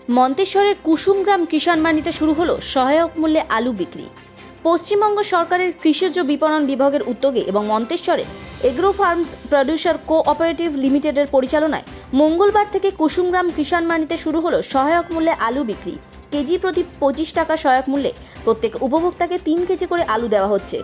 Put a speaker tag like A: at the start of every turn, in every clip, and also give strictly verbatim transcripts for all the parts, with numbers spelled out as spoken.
A: মন্তেশ্বরের কুসুমগ্রাম কিষাণ মান্ডিতে শুরু হলো সহায়ক মূল্যে আলু বিক্রি। পশ্চিমবঙ্গ সরকারের কৃষিজ বিপণন বিভাগের উদ্যোগে এবং মন্তেশ্বরে এগ্রো ফার্মস প্রডিউসার কোঅপারেটিভ লিমিটেডের পরিচালনায় মঙ্গলবার থেকে কুসুমগ্রাম কিষাণ মান্ডিতে শুরু হলো সহায়ক মূল্যে আলু বিক্রি। কেজি প্রতি পঁচিশ টাকা সহায়ক মূল্যে প্রত্যেক উপভোক্তাকে তিন কেজি করে আলু দেওয়া হচ্ছে।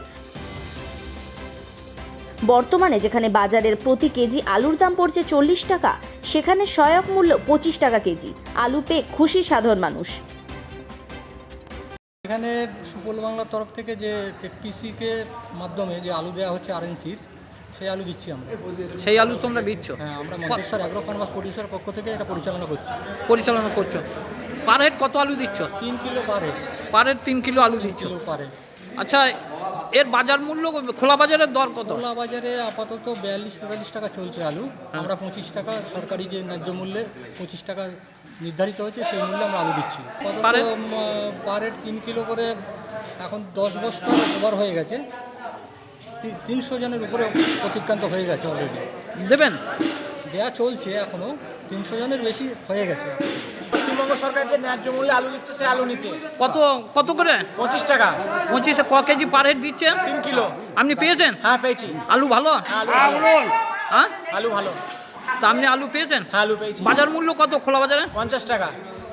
A: বর্তমানে যেখানে বাজারের প্রতি কেজি আলুর দাম পড়ছে চল্লিশ টাকা, সেখানে সহায়ক মূল্য পঁচিশ টাকা কেজি। আলু পেয়ে খুশি সাধারণ মানুষ।
B: এখানে সুফল বাংলার তরফ থেকে যে টেকপিসিকে মাধ্যমে যে আলু দেওয়া হচ্ছে আরএনসির, সেই আলু দিচ্ছি আমরা।
C: সেই আলু তোমরা দিচ্ছ?
B: হ্যাঁ, আমরা মন্তেশ্বর অ্যাগ্রো ফার্মার্স প্রডিউসার পক্ষ থেকে এটা পরিচালনা করছি।
C: পরিচালনা করছো। পার হেড কত আলু দিচ্ছ?
B: তিন kilo per head.
C: Per head তিন কিলো আলু দিচ্ছ?
B: Kilo per head.
C: আচ্ছা, এর বাজার মূল্য খোলা বাজারের দর কত?
B: খোলা বাজারে আপাতত বিয়াল্লিশ তেতাল্লিশ টাকা চলছে আলু। আমরা পঁচিশ টাকা সরকারি যে ন্যায্য মূল্যে পঁচিশ টাকা নির্ধারিত হয়েছে, সেই মূল্যে আমরা আলু দিচ্ছি।
C: Per head?
B: পার হেড তিন কিলো করে এখন দশ বস্তা ওভার হয়ে গেছে। তিনশো জনের উপরে অতিক্রান্ত হয়ে গেছে অলরেডি।
C: দেবেন?
B: দেওয়া চলছে, এখনও তিনশো জনের বেশি হয়ে গেছে।
D: পশ্চিমবঙ্গ সরকার যে ন্যায্য মূল্যে আলু দিচ্ছে, সেই আলু নিতে
C: কত কত করে?
D: পঁচিশ টাকা।
C: পঁচিশ ক কেজি পার হেড দিচ্ছে?
D: তিন কিলো।
C: আপনি পেয়েছেন?
D: হ্যাঁ, পেয়েছি।
C: আলু ভালো?
D: আলু ভালো।
C: হ্যাঁ,
D: আলু ভালো।
C: তা আপনি আলু পেয়েছেন?
D: হ্যাঁ, আলু পেয়েছি।
C: বাজার মূল্য কত খোলা বাজারে?
D: পঞ্চাশ টাকা।